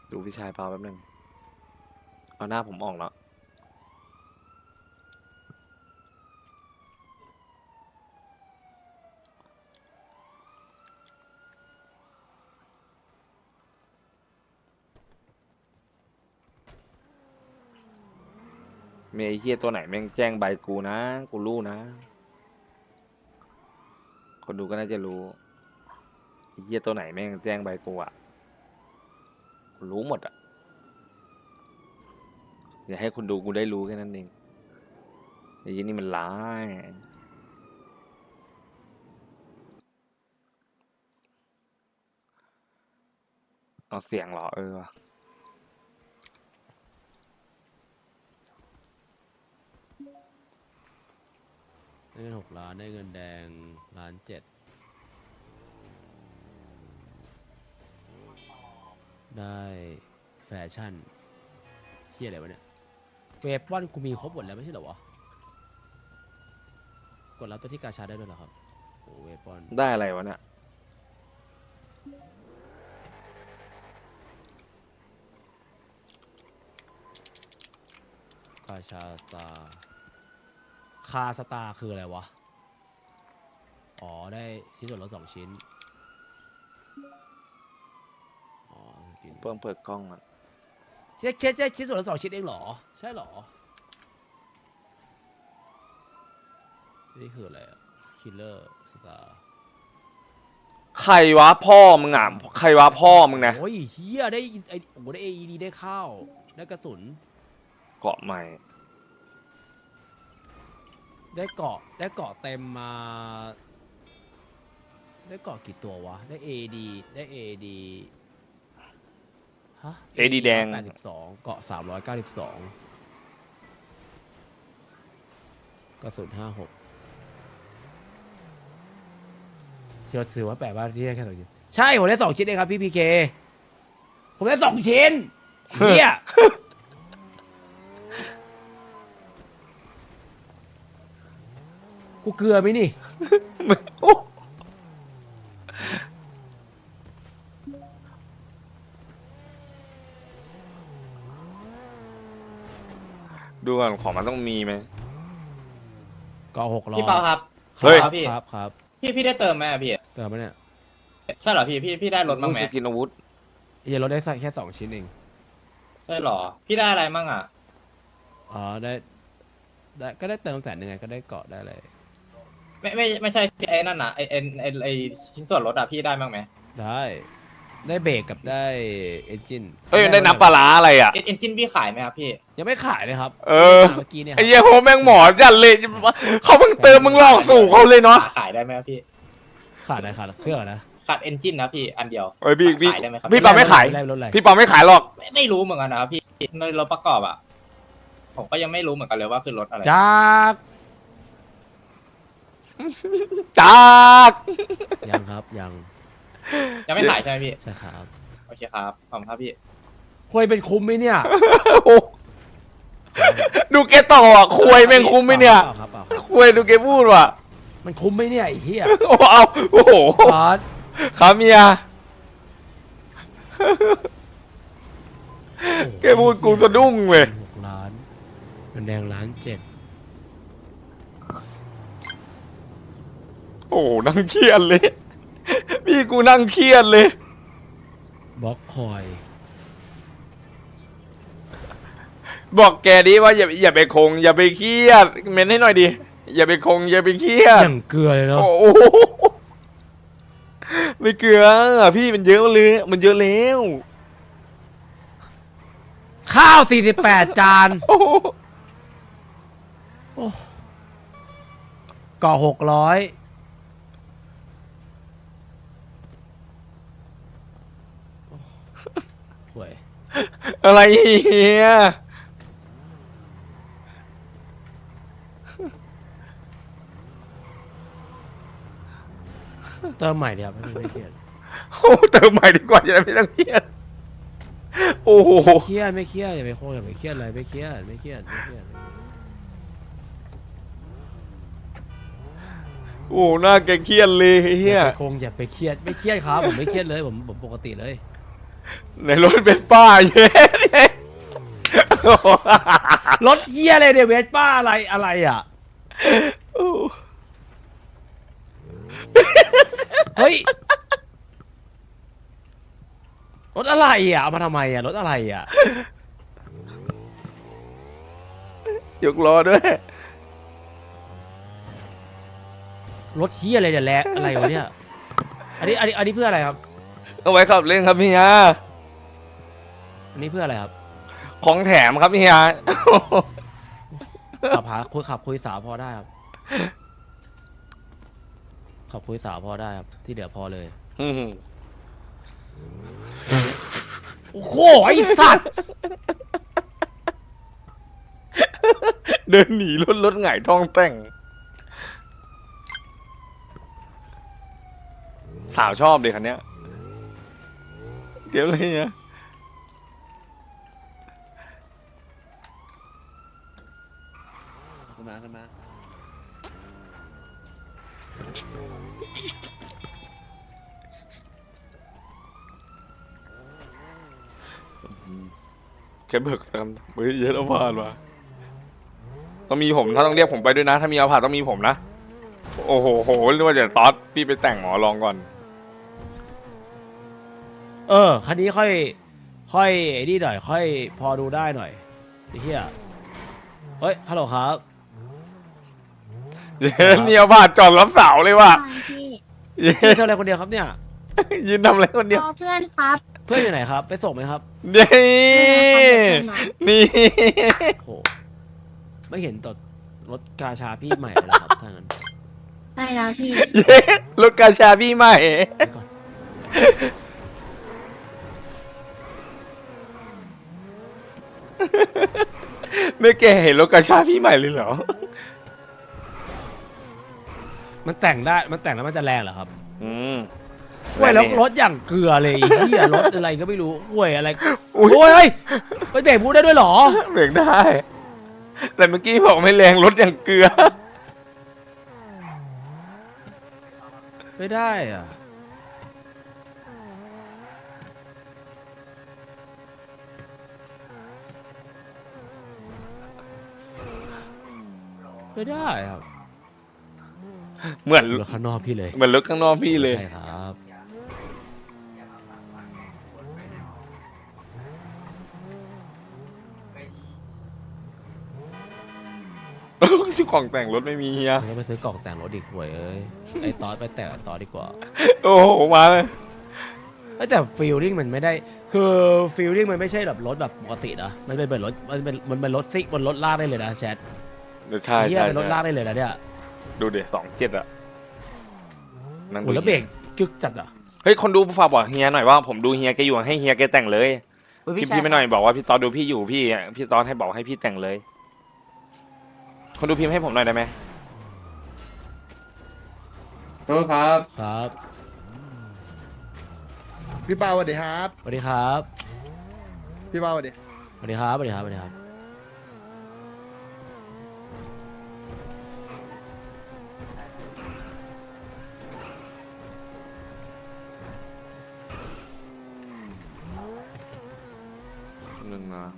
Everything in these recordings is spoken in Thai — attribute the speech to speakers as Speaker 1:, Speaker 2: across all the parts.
Speaker 1: ดูพี่ชายเปล่าแป๊บนึงเอาหน้าผมออกแล้วมีไอ้เหี้ยตัวไหนแม่งแจ้งใบกูนะกูรู้นะคนดูก็น่าจะรู้ไอ้เหี้ยตัวไหนแม่งแจ้งใบกูอ่ะกูรู้หมดอ่ะอย่าให้คุณดูกูได้รู้แค่นั้นเองไอ้ยี่นี่มันร้ายเอาเสียงเหรอว่ะ
Speaker 2: ได้เงิน6 ล้านได้เงินแดง1.7 ล้านได้แฟชั่นเฮียอะไรวะเนี่ยเวฟวันกูมีครบหมดแล้วไม่ใช่เหรอวะกดรับตัวที่กาชาได้ด้วยเหรอครับโอ้เวฟวัน
Speaker 1: ได้อะไรวะเนี่ย
Speaker 2: กาชาสตาร์คาสตาร์คืออะไรวะอ๋อได้ชิ้นส่วนลด2 ชิ้นอ๋อกิน
Speaker 1: เพิ่งเปิดกล้องอ่ะ
Speaker 2: แค่ชิ้นส่วนลด2 ชิ้นเองเหรอใช่เหรอนี่คืออะไรอะคิลเลอร์สตาร์
Speaker 1: ใครวะพ่อมึงอ่ะใครวะพ่อมึงนะ
Speaker 2: โอ้ยเฮียได้ไอโอ้ได้ AED ได้ข้าวได้กระสุน
Speaker 1: เกาะใหม่
Speaker 2: ได้เกาะเต็มมาได้เกาะกี่ตัววะได้ AED ได้ AED ฮะ
Speaker 1: AED แดง
Speaker 2: 82เกาะ392กระสุน56ที่เราซื้อว่าแปลว่าที่ได้แค่2 ชิ้นใช่ผมได้2 ชิ้นเองครับพี่พีเคผมได้2 ชิ้นเฮีย กูเกลือไหมนี่
Speaker 1: ดูก่อนของมันต้องมีไหม
Speaker 2: ก็600
Speaker 3: พี่เปาครับ
Speaker 1: เฮ้ย
Speaker 3: ครับพี่
Speaker 2: ครับ
Speaker 3: พี่ได้เติมไหมอะพี่
Speaker 2: เติมไหมเนี่ย
Speaker 3: ใช่เหรอพี่ได้รถบ้างไหม
Speaker 1: สกินอาวุธ
Speaker 2: เฮียเราได้แค่2 ชิ้นเอง
Speaker 3: ใช่เหรอ พี่ได้อะไรมั่งอ่ะ
Speaker 2: อ๋อได้ก็ได้เติม100,000ไงก็ได้เกาะได้อะไร
Speaker 3: ไม่ใช่พี่ไอ้นั่นน่ะไอชิ้นส่วนรถอ่ะพี่ได้บ้างไหม
Speaker 2: ได้เบรกกับได้เอนจิน
Speaker 1: เอ้ยได้น้ำปลาร้าอะไรอ่ะ
Speaker 3: เอ็นจินพี่ขายไหมครับพี่
Speaker 2: ยังไม่ขายเลยครับ
Speaker 1: เออ
Speaker 2: เมื่อกี้เนี่ยค
Speaker 1: ไอ้
Speaker 2: รับ
Speaker 1: เหี้ยโหแม่งหมอจัดเลยเขาเพิ่งเติมมึงหลอกสู่เขาเลยเนาะ
Speaker 3: ขายได้ไหมครับพี่
Speaker 2: ขาดอะไรขาดเครื่องนะ
Speaker 3: ขาดเอนจินนะพี่อันเดียว
Speaker 1: เอ้ยพี่
Speaker 3: ขายได้ไหมครับ
Speaker 1: พี่ปาไม่ขาย
Speaker 2: ได้รถอะไร
Speaker 1: พี่ปาไม่ขายหรอก
Speaker 3: ไม่รู้เหมือนกันนะครับพี่ในรถประกอบอ่ะผมก็ยังไม่รู้เหมือนกันเลยว่าคือรถอะไร
Speaker 2: จาก
Speaker 1: จาก
Speaker 2: ยังครับยัง
Speaker 3: ยังไม่ขายใช่ไหมพี่
Speaker 2: ใช่ครับ
Speaker 3: โอเคครับขอบคุณครับพี่
Speaker 2: คุยเป็นคุ้มไหมเนี่ย
Speaker 1: โอ้ดูแกต่ออ่ะควยแม่งคุ้มไหมเนี่ย
Speaker 2: เปล่าครับเปล่าครับ
Speaker 1: ควยดูแกพูดว่ะ
Speaker 2: มันคุ้มไหมเนี่ยไอ้เหี้ย
Speaker 1: โอ้เอาโอ้โห
Speaker 2: บอส
Speaker 1: ขาเมียแกพูดกูสะดุ้งเว้ย
Speaker 2: 6 ล้านเงินแดง1.7 ล้าน
Speaker 1: โอ้นั่งเครียดเลย พี่กูนั่งเครียดเลย
Speaker 2: บล็อกคอย
Speaker 1: บอกแกดิว่าอย่าไปคง อย่าไปเครียดเม้นให้หน่อยดิอย่าไปคงอย่าไปเครียด
Speaker 2: อย่างเกลือเลยเนาะ
Speaker 1: โอ้โหไม่เกลือพี่มันเยอะเลยมันเยอะแล้ว
Speaker 2: ข้าว48 จาน
Speaker 1: โอ้โห
Speaker 2: ก่อ600ห่วย
Speaker 1: อะไรเฮีย
Speaker 2: เติมใหม่เดียวไม่เครียด
Speaker 1: โอ้เติมใหม่ดีกว่าจะได้ไม่ต้องเครียดโอ้โห
Speaker 2: เครียดไม่เครียดอย่าไปโค้งอย่าไปเครียดอะไรไม่เครียดไม่เครียด
Speaker 1: โอ้หน้าแกเครียดเลยเฮี
Speaker 2: อย่าย ไปโค้งอย่าไปเครียดไม่เครียดครับผมไม่เครียดเลยผมปกติเลย
Speaker 1: ในรถเป็นป้าเย้เนี่ย
Speaker 2: รถเฮียอะไรเนี่ยเวสป้าอะไรอ่ะเฮ้ยรถอะไรอ่ะเอามาทำไมอ่ะรถอะไรอ่ะ
Speaker 1: ยกล้อด้วย
Speaker 2: รถเฮียอะไรเนี่ยแลอะไรวะเนี่ยอันนี้เพื่ออะไรครับ
Speaker 1: เอาไว้ขับเล่นครับเฮีย
Speaker 2: อันนี้เพื่ออะไรครับ
Speaker 1: ของแถมครับเฮีย
Speaker 2: ขับคุยสาวพอได้ครับขับคุยสาวพอได้ครับที่เหลือพอเลย โอ้โหไอสัตว์
Speaker 1: เดินหนีรถหงายท้องแต่ง สาวชอบเลยคันเนี้ยเดี๋ยวเลยเนี่ยขึ้นมาแค่เบิกกันเฮ้ยเยอะแล้วผ่านว่ะต้องมีผมถ้าต้องเรียกผมไปด้วยนะ ถ้ามีเอาผ่านต้องมีผมนะ โอ้โหนึกว่าจะซอสพี่ไปแต่งหมอลองก่อน
Speaker 2: คันนี้ค่อยไอ้นี่หน่อยค่อยพอดูได้หน่อยไอ้เหี้ยเฮ้ยฮัลโหลครับ
Speaker 1: เย้เนี่ยเอาผ่านจอดรับสาวเลยว่ะ
Speaker 4: พี่
Speaker 1: เย้
Speaker 2: พี่ทำอะไรคนเดียวครับเนี่ย
Speaker 1: ยืนทำอะไรคนเดียว
Speaker 4: รอเพื่อนครับ
Speaker 2: เพื่อนอยู่ไหนครับไปส่งไหมครับ
Speaker 1: นี่นี่
Speaker 2: โหไม่เห็นตดรถกาชาพี่ใหม่เลยเหรอครับถ้างั้น
Speaker 4: ได้แล้วพี่
Speaker 1: เย้รถกาชาพี่ใหม่
Speaker 2: ไปก่อน
Speaker 1: ไม่แกเห็นรถกาชาพี่ใหม่เลยเหรอ
Speaker 2: มันแต่งได้มันแต่งแล้วมันจะแรงเหรอครับ
Speaker 1: อืม
Speaker 2: ห่วยแล้วรถอย่างเกลือเลยไอ้เหี้ยรถอะไรก็ไม่รู้ห่วยอะไร
Speaker 1: อุ๊ย
Speaker 2: โอ้ยเฮ้ยไปเบรกพูดได้ด้วยเหรอ
Speaker 1: เบรกได้ แต่เมื่อกี้บอกไม่แรงรถอย่างเกลือ
Speaker 2: ไม่ได้อ่ะไม่ได้ครับ
Speaker 1: เหมือน
Speaker 2: รถข้างนอกพี่เลย
Speaker 1: เหมือนรถข้างนอกพี่เลย
Speaker 2: ใช่ครับ
Speaker 1: ที่ของแต่งรถไม่มีเฮีย
Speaker 2: มันก็ไปซื้อกล่องแต่งรถอีกห่วยเอ้ยไอ้ตอสไปแต่งไอ้ตอสดีกว่า
Speaker 1: โอ้โหมาเลย
Speaker 2: เอ้ยแต่ฟีลลิ่งมันไม่ได้คือฟีลลิ่งมันไม่ใช่แบบรถแบบปกตินะมันเป็นรถมันเป็นรถซิกบนรถลากได้เลยนะแชท
Speaker 1: ใช่
Speaker 2: เฮีย
Speaker 1: ใช่
Speaker 2: เป็นรถลากได้เลยนะเนี่ย
Speaker 1: ดูเดี๋ยว27อะนั่ง
Speaker 2: โห
Speaker 1: ดู
Speaker 2: แล้วเบรกกึกจัดอ่ะ
Speaker 1: เฮ้ยคนดูฝากบอกเฮียหน่อยว่าผมดูเฮียแกอยู่ให้เฮียแกแต่งเลยพี่ไม่หน่อยบอกว่าพี่ตอนดูพี่อยู่พี่ตอนให้บอกให้พี่แต่งเลย คนดูพิมพ์ให้ผมหน่อยได้ไหม
Speaker 5: โทษครับ
Speaker 2: ครับ
Speaker 5: พี่เปาสวัสดีครับ
Speaker 2: สวัสดีครับ
Speaker 5: พี่เปาสวัสดี
Speaker 2: สวัสดีครับสวัสดีครับสวัสดีครับ
Speaker 1: หนึ่งนะ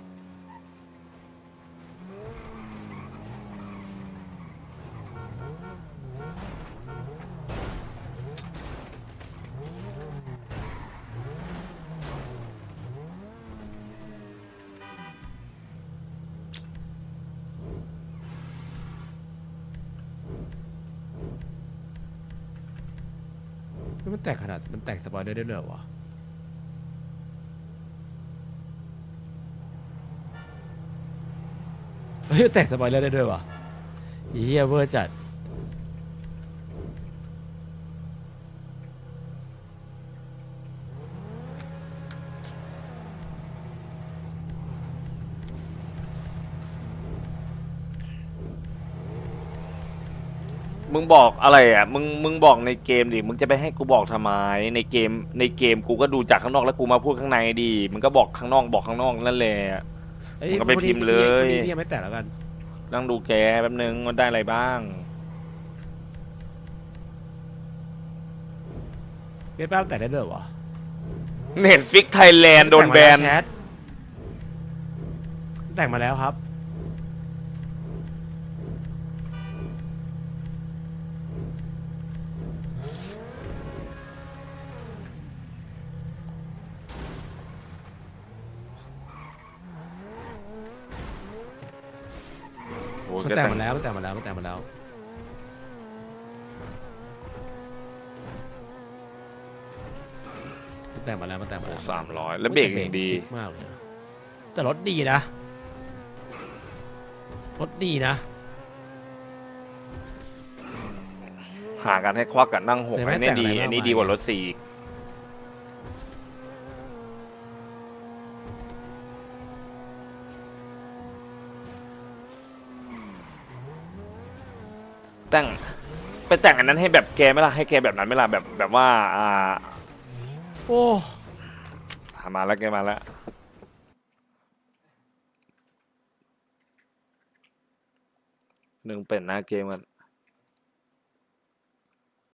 Speaker 2: มันแต่งขนาดมันแต่งสปอยเลอร์ได้เลยเหรอวะเฮ้ยแต่งสปอยเลอร์ได้ด้วยวะอีเหี้ยเวอร์จัด
Speaker 1: มึงบอกอะไรอ่ะมึงบอกในเกมดิมึงจะไปให้กูบอกทำไมในเกมกูก็ดูจากข้างนอกแล้วกูมาพูดข้างในดิมึงก็บอกข้างนอกบอกข้างนอกนั่นแหละ
Speaker 2: เอ้ย
Speaker 1: มึงก็ไปพิมพ์เลย
Speaker 2: พี่ยังไม่แต่งแล้วกัน
Speaker 1: นั่งดูแกแป๊บนึงมันได้อะไรบ้าง
Speaker 2: เวสป้าแต่งได้ด้วยเหรอวะ
Speaker 1: เน็ตฟิกไทยแลนด์โดนแบน
Speaker 2: แต่งมาแล้วครับ
Speaker 1: โอ้
Speaker 2: มัน
Speaker 1: ก็
Speaker 2: แต่ง
Speaker 1: แต่ง
Speaker 2: มาแล้วมันแต่งมาแล้วมันแต่งมาแล้วมันแต่งมาแล้วมันแต่งมาแล้ว
Speaker 1: 300แล้วเบรกอย่างดี
Speaker 2: จิ๊กมากเลยนะแต่รถดีนะรถดีนะ
Speaker 1: หากันให้ควักกันนั่งหก
Speaker 2: แต่ไม่
Speaker 1: อันนี้
Speaker 2: แต่ง
Speaker 1: ดี
Speaker 2: อะไรมาก
Speaker 1: อันนี้
Speaker 2: มาย
Speaker 1: ดีกว่ารถสี่อีกแต่งไปแต่งอันนั้นให้แบบแกไหม่ล่ะให้แกแบบนั้นไหม่ล่ะแบบว่า
Speaker 2: โอ้
Speaker 1: มาแล้วแกมาแล้วหนึ่งเป็นหน้าเกมกัน